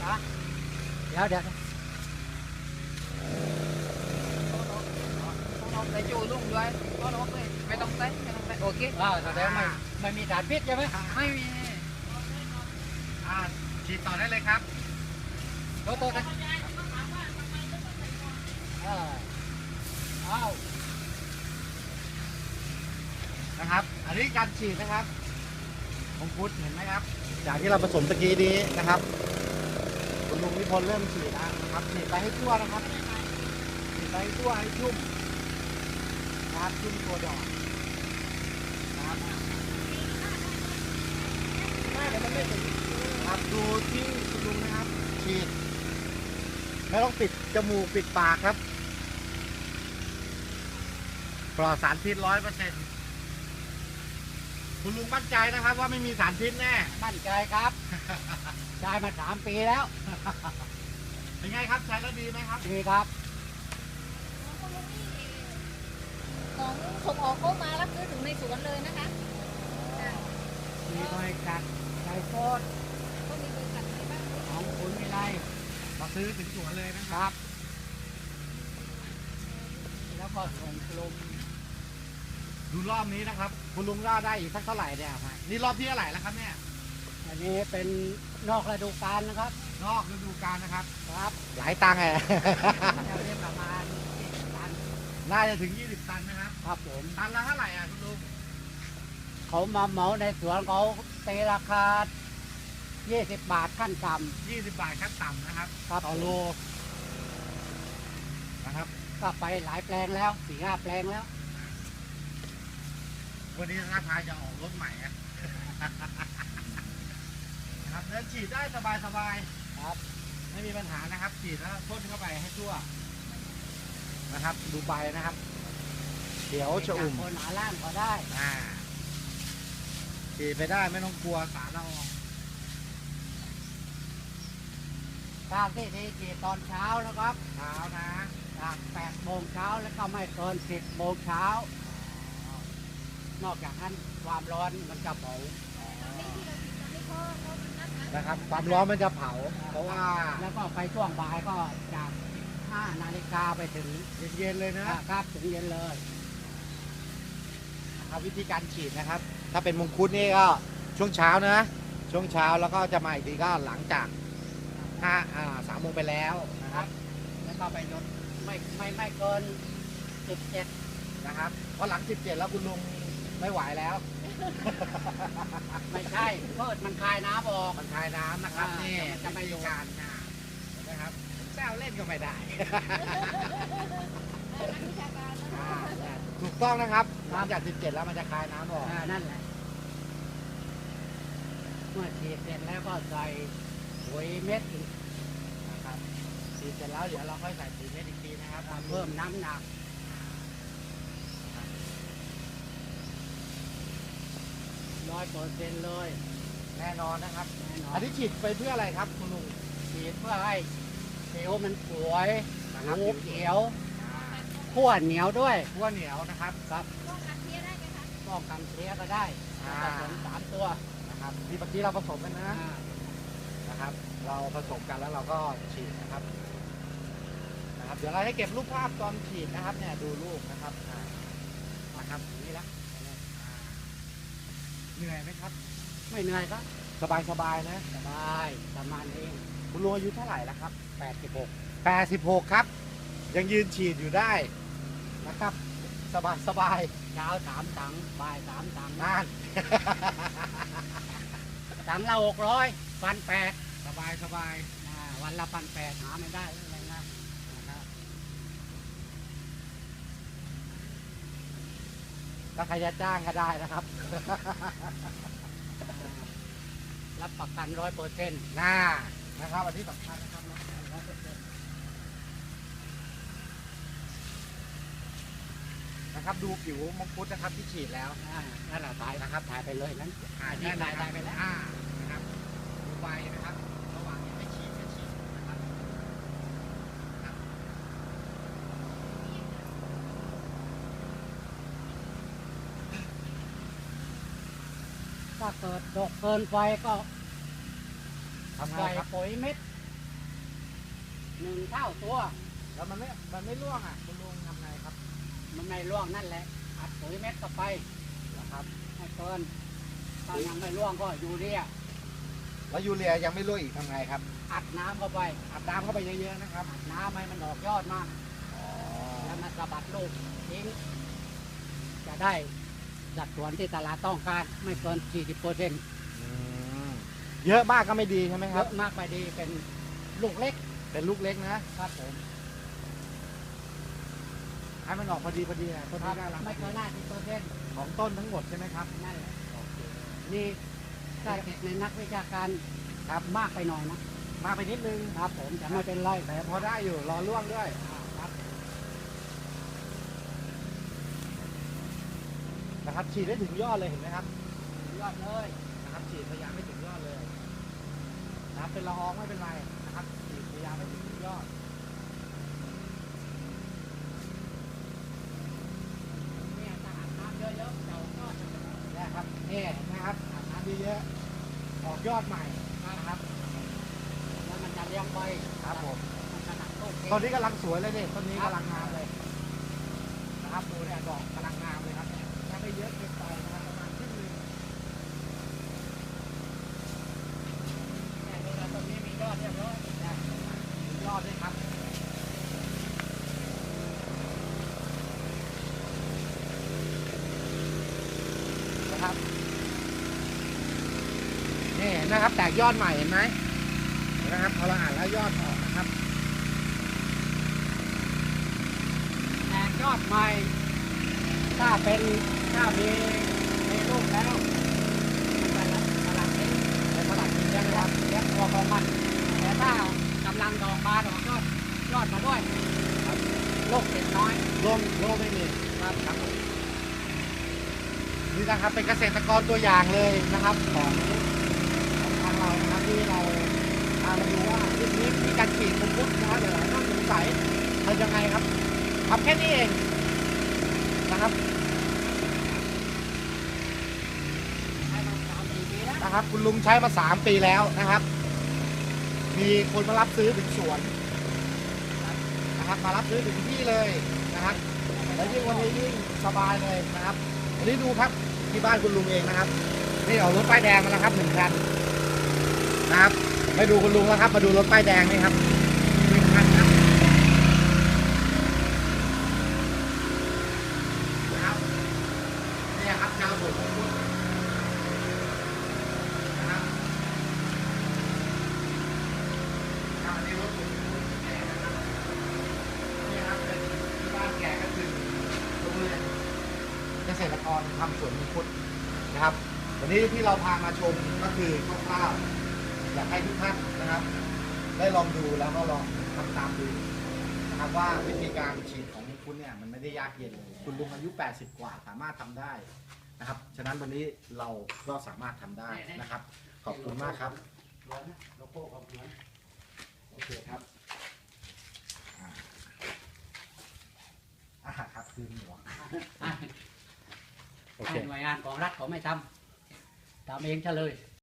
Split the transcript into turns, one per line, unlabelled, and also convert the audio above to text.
เดี๋ยว
ต้องใส่จูลุ่งด้วยก็ลบเลยไม่ต้องใส่โอเค
แสดงไม่มีสารพิษใช่ไหม
ไม่มี
ฉีดต่อได้เลยครับ
โตนะ
นะครับอันนี้การฉีดนะครับของพุทธเห็นไหมครับจากที่เราผสมตะกี้นี้นะครับคุณลุงนิพนธ์เริ่มฉีดนะครับฉีดไปให้ทั่วนะครับฉีดไปให้ทั่วให้ชุ่มนะครับชุ่มตัวดอกนะครับครับดูที่คุณลุงนะครับฉีดไม่ต้องปิดจมูกปิดปากครับปลอดสารพิษ100%คุณลุงมั่นใจนะครับว่าไม่มีสารพิษแน่
มั่นใจครับใช้มา3 ปีแล้ว
เป็นไงครับใช้แล้วดีไหมครับ
ดีครับ
ของส่งออกเข้ามารับซื้อถึงในสวนเลยนะคะ
มีบริษัทไก่โคตร
ก็มีบริษัทอะไรบ้าง
ของคุณมีไร
มาซื้อถึงสวนเลยนะค
รับแล้วก็ส่งลง
ดูรอบนี้นะครับคุณลุงรอดได้อีกสักเท่าไหร่เนี่ยนี่รอบที่เท่าไหร่แล้วครับเนี่ย
อันนี้เป็นนอกฤดูกาลนะครับ
นอกฤดูกาลนะครับ
ครับ
หลายตังค์
จะเรียกประมาณ20 ตัน
น่าจะถึง20 ตันนะครับ
ครับผม
ตันละเท่าไหร่คุณลุง
เขามาเหมาในสวนเขาตีราคา20 บาทขั้นต่ำ
20 บาทขั้นต่ำนะครับต่อโลนะครับ
ก็ไปหลายแปลงแล้ว4-5 แปลงแล้ว
วันนี้ท่าทางจะออกรถใหม่นะครับเดินฉีดได้สบาย
ครับ
ไม่มีปัญหานะครับฉีดแล้วพ่นเข้าไปให้ทั่วนะครับดูใบนะครับเดี๋ยวจะอุ่ม
คนหาล่างก็ได้
ฉีดไปได้ไม่ต้องกลัวสารละออง
การที่ดีฉีดตอนเช้านะครับ
เช้านะ
จาก8 โมงเช้าแล้วก็ไม่เกิน10 โมงเช้านอกจากนั้นความร้อนมันจะเผา
นะครับความร้อนมันจะเผาเพราะว่า
แล้วก็ไปช่วงบ่ายก็จาก5 นาฬิกาไปถึง
เย็นๆเลย
นะครับถึงเย็นเลย
นะครับวิธีการฉีดนะครับถ้าเป็นมงคุดนี่ก็ช่วงเช้านะช่วงเช้าแล้วก็จะมาอีกทีก็หลังจาก3 โมงไปแล้วนะครับ
แล้วก็ไปลดไม่เกิน17
นะครับเพราะหลัง17แล้วคุณลุงไม่ไหวแล้ว
ไม่ใช่เพิดมันคายน้ำออก
มันคายน้ำนะครับนี่จะไม่ดูการนะครับแซวเล่นก็ไม่ได้ถูกต้องนะครับหลังจาก17แล้วมันจะคายน้ำออก
นั่นแหละเมื่อฉีดเสร็จแล้วก็ใส่ปุ๋ยเม็ด
นะครับฉีดเสร็จแล้วเดี๋ยวเราค่อยใส่ปุ๋ยเม็ดอีกทีนะครับ
เพิ่มน้ำหนัก100%เลย
แน่นอนนะครับอันนี้ฉีดไปเพื่ออะไรครับคุณลุง
ฉีดเพื่อให้ผิวมันสวยผิวเขียวขั้วเหนียวด้วย
ขั้วเหนียวนะครับ
ครับ
ป้องกันเพี้ยได้ไหมคะ
ป้องกันเพี้ยก็ได้ผสม3 ตัว
นะครับที่เมื่อกี้เราผสมกันนะครับเราผสมกันแล้วเราก็ฉีดนะครับเดี๋ยวเราให้เก็บรูปภาพตอนฉีดนะครับเนี่ยดูรูปนะครับนี่ละเหนื่อยไหมครับ
ไม่เหนื่อยครับ
สบายนะ
สบายประมาณนี้
คุณลุงอายุเท่าไหร่แล้วครับ
86
ครับยังยืนฉีดอยู่ได้นะครับสบาย
เช้า3 ถังบ่าย3 ถัง
นั่น
ถังละ600 1,800
สบาย
วันละ1,800หาไม่ได้อะไรนะ
ถ้าใครจะจ้างก็ได้นะครับ
รับประกัน100%
นะครับอันนี้สำคัญนะครับนะครับดูผิวมังคุดนะครับที่ฉีดแล้ว
นั่นแหละถ่ายนะครับถ่ายไปเลยนั้น
ถ่ายไปแล้วนะครับดูใบนะครับระหว่างนี้ไม่ฉีดนะครับ
ถ้าเกิดดกเกินไปก็
ทำไง
ใส่
ครับ
ปุ๋ยเม็ด 1 เท่าตัว
แล้วมันไม่ร่วงอ่ะคุณลุงทำไงครับ
มันไม่ร่วงนั่นแหละอัดปุ๋ยเม็ดเข้าไป
นะครับ
ให้เกินถ้ายังไม่ร่วงก็ยูเรีย
แล้วยูเรียยังไม่ร่วงอีกทำไงครับ
อัดน้ำเข้าไป
อัดน้ำเข้าไปเยอะๆนะครับ
อัดน้ำให้มันออกยอดมา
อ๋อ
แล้วมันสะบัดลูกทิ้งจะได้สัดส่วนที่ตลาดต้องการไม่เกิน 40%
อืมเยอะมากก็ไม่ดีใช่ไหมค
เย
รับ
อะมากไปดีเป็นลูกเล็ก
เป็นลูกเล็กนะครับ
ผม
ให้มันออกพอดีนะต้น
ครั
นี้
บ
ได้รับ
ไม่เกิน50%
ของต้นทั้งหมดใช่ไหมครับ
นั่นแหละนี่ถ้าเกิดในนักวิชาการครับมากไปหน่อยนะ
มากไปนิดนึง
ครับผมจะไม่เป็นไร
แต่พอได้อยู่รอร่วงด้วย
ครับ
นะครับฉีดได้ถึงยอดเลยเห็นไหมครับ
ยอดเลย
นะครับฉีดพยายามไม่ถึงยอดเลยนะครับเป็นละอองไม่เป็นไรนะครับฉีดพยายามไม่ถึงยอด
เนี่ยถ้าอาบน้ำเยอะๆเจ้าก็จะเป็น
เนี่ยครับนี่เห็นไหมครับอาบน้ำเยอะๆออกยอดใหม่นะครับ
แล้วมันจะเลี้ยงไป
ครับผม
มันจะหนักต้น
ต้นนี้กำลังสวยเลยเนี่ยต้นนี้กำลังงามเลยนะครับดูเนี่ยดอกกำลังงามเลยครับถ้าไม่เยอะเกินไปนะครับประมาณครึ่งหนึง
เนี่ยดูแล้วต้นนี้มียอดเรียบร้อย
ได้ถึงยอดด้วยครับนะครับนี่เห็นนะครับแตกยอดใหม่เห็นไหมเห็นนะครับพอเราอ่านแล้วยอดออกนะครับ
แตกยอดใหม่ ถ้ามีลูกแล้วมันจะสลัดเอง
ในตลาดกิน
เลี้
เลี้
ย
ย
ง
ง
ค
นะ
วามเลี้ยงตัวของมัน แต่ถ้ากำลังดอกบานออกยอดมาด้วยลูกเด็กน้อย
โล่งไม่มี
ครับครับ
นี่นะครับเป็นเกษตรกรตัวอย่างเลยนะครับของทางเรานะครับที่เราพามาดูว่าเรื่องนี้มีการฉีดมังคุดนะครับหลายๆท่านสงสัยทำยังไงครับทำแค่นี้เองนะครับ
ให้มัน3-4 ปีแล้ว
นะครับ คุณลุงใช้มา3 ปีแล้วนะครับ มีคนมารับซื้อถึงสวนนะครับมารับซื้อถึงที่เลยนะครับแล้วยิ่งวันนี้ยิ่งสบายเลยนะครับอันนี้ดูครับที่บ้านคุณลุงเองนะครับนี่ออกรถป้ายแดงมาแล้วครับ1 คันนะครับไม่ดูคุณลุงแล้วครับมาดูรถป้ายแดงนี่ครับ1 คันครับนะครับเนี่ยครับชาวสวนของคุณนะครับอันนี้รถผมแก่นะครับนี่ครับเป็นที่บ้านแก่ก็คือโรงเรือนเกษตรกรทำสวนมังคุดนะครับวันนี้ที่เราพามาชมก็คือคร่าวๆอยากให้ทุกท่านนะครับ ได้ลองดูแล้วก็ลองทำตามดูนะครับว่าวิธีการฉีดของคุณเนี่ยมันไม่ได้ยากเย็นเลยคุณลุงอายุ 80 กว่าสามารถทำได้นะครับฉะนั้นวันนี้เราก็สามารถทำได้นะครับ ขอบคุณมากครับ
เหมือนนะโลโก้ของเหมือน
โอเคครับครับคือหมวกโอเค
ให้หน่วยงานของรัฐเขาไม่ทำเองเฉลย